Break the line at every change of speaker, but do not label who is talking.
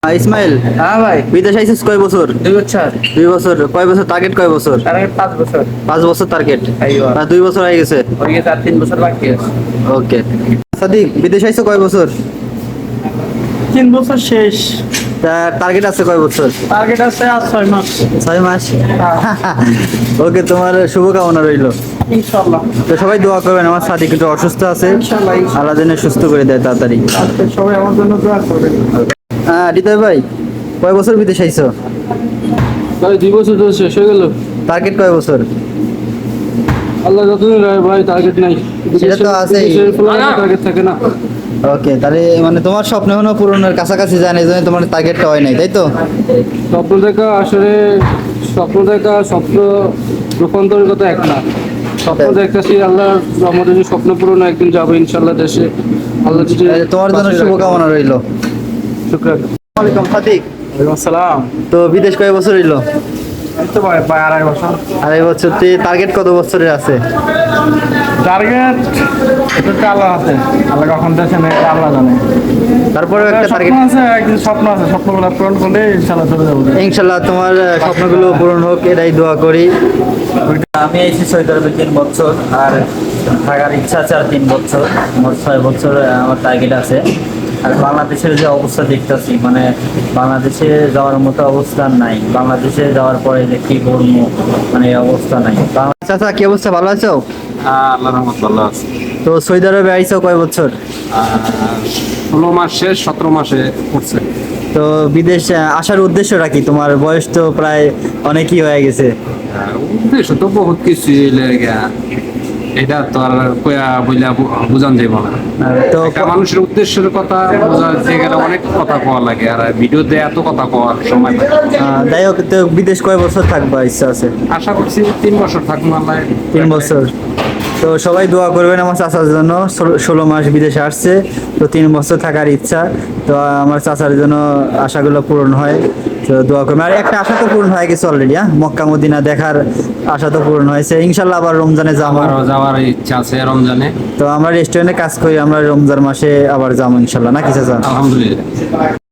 ইসমাইল,
হ্যাঁ ভাই,
বিদেশ আইছিস কয় বছর?
2 বছর।
2 বছর। কয় বছর টার্গেট? কয় বছর?
তার আগে 5 বছর
5 বছর টার্গেট।
আইয়ো।
2 বছর হয়ে গেছে।
ওর গিয়ে 3 বছর বাকি আছে।
ওকে। সাদিক, বিদেশ আইছো কয় বছর?
3 বছর শেষ।
টার্গেট আছে কয় বছর?
টার্গেট আছে আর 6 মাস।
6 মাস। ওকে, তোমার শুভকামনা রইলো।
ইনশাআল্লাহ।
তো সবাই দোয়া করবেন, আমার সাদিক একটু অসুস্থ আছে,
ইনশাআল্লাহ।
আল্লাহ যেন সুস্থ করে দেয় তাড়াতাড়ি।
সবাই আমার জন্য দোয়া করবেন।
হৃদয় ভাই, কয় বছর বিদেশ আইছো?
ভাই 2 বছর তো শেষ হয়ে গেল।
টার্গেট কয় বছর?
আল্লাহ যতদিন রায় ভাই, টার্গেট নাই।
সেটা তো আছেই।
টার্গেট থাকে না।
ওকে, তাহলে মানে তোমার স্বপ্ন এখনো পূরণের কাছাকাছি যায় না, এই জন্য তোমার টার্গেটটা হয় নাই, তাই তো?
স্বপ্ন দেখা আসলে, স্বপ্ন দেখা স্বপ্ন রূপান্তরের কথা এক না। স্বপ্ন দেখতেছি আল্লাহ আমাদের যে স্বপ্ন পূরণ একদিন যাবো ইনশাল্লাহ দেশে। আল্লাহ যদি
তোমার জন্য শুভকামনা রইলো।
শুকরান।
আসসালামু আলাইকুম সাদিক।
আসসালাম।
তো বিদেশ কয় বছর হইলো?
এই তো ভাই 2.5 বছর।
2.5 বছর। টার্গেট কত বছরের আছে?
টার্গেট এটা আল্লাহ আছে, আল্লাহ কখন দেশে নেই এটা আল্লাহ জানে।
তারপরেও একটা টার্গেট
স্বপ্ন আছে, একদিন স্বপ্ন আছে, স্বপ্নগুলো পূরণ করলে ইনশাআল্লাহ চলে যাবো।
ইনশাল্লাহ তোমার স্বপ্নগুলো পূরণ হোক, এটাই দোয়া করি। আমি এসেছি সৌদি আরবে 3 বছর, আর থাকার ইচ্ছা আছে আর 3 বছর। মোট 6 বছর আমার টার্গেট আছে। আর বাংলাদেশের যে অবস্থা দেখতেছি, মানে বাংলাদেশে যাওয়ার মতো অবস্থা নাই। বাংলাদেশে যাওয়ার পরে যে কি করবো, মানে এই অবস্থা নাই। চাচা, কি অবস্থা? ভালো আছো?
আল্লাহ রহমত ভালো আছে।
তো সৌদি আরবে আইছো কয় বছর?
16 মাস শেষ, 17 মাসে উঠছে।
তো বিদেশ আসার উদ্দেশ্যটা কি? তোমার বয়স তো প্রায় অনেকই হয়ে গেছে।
উদ্দেশ্য তো বহুত কিছু এটা তো আর কয়া বইলা বুঝান যাইব না।
তো
একটা মানুষের উদ্দেশ্যের কথা বোঝাতে গেলে অনেক কথা কওয়া লাগে, আর ভিডিওতে এত কথা কওয়ার সময় নাই।
যাই হোক, তো বিদেশ কয় বছর থাকবা ইচ্ছা আছে?
আশা করছি 3 বছর থাকবো আল্লাহ।
3 বছর। তো সবাই দোয়া করবেন আমার চাচার জন্য। 16 মাস বিদেশে আসছে, তো 3 বছর থাকার ইচ্ছা। তো আমার চাচার জন্য আশাগুলো পূরণ হয়, তো দোয়া করবেন। আর একটা আশা তো পূরণ হয়ে গেছে অলরেডি। মক্কা মদিনা দেখার আশা তো পূরণ হয়েছে। ইনশাল্লাহ আবার রমজানে যাবো।
আমারও যাওয়ার ইচ্ছা আছে রমজানে।
তো আমরা রেস্টুরেন্টে কাজ করি, আমরা রমজান মাসে আবার যাবো ইনশাল্লাহ, নাকি চাচা?
আলহামদুলিল্লাহ।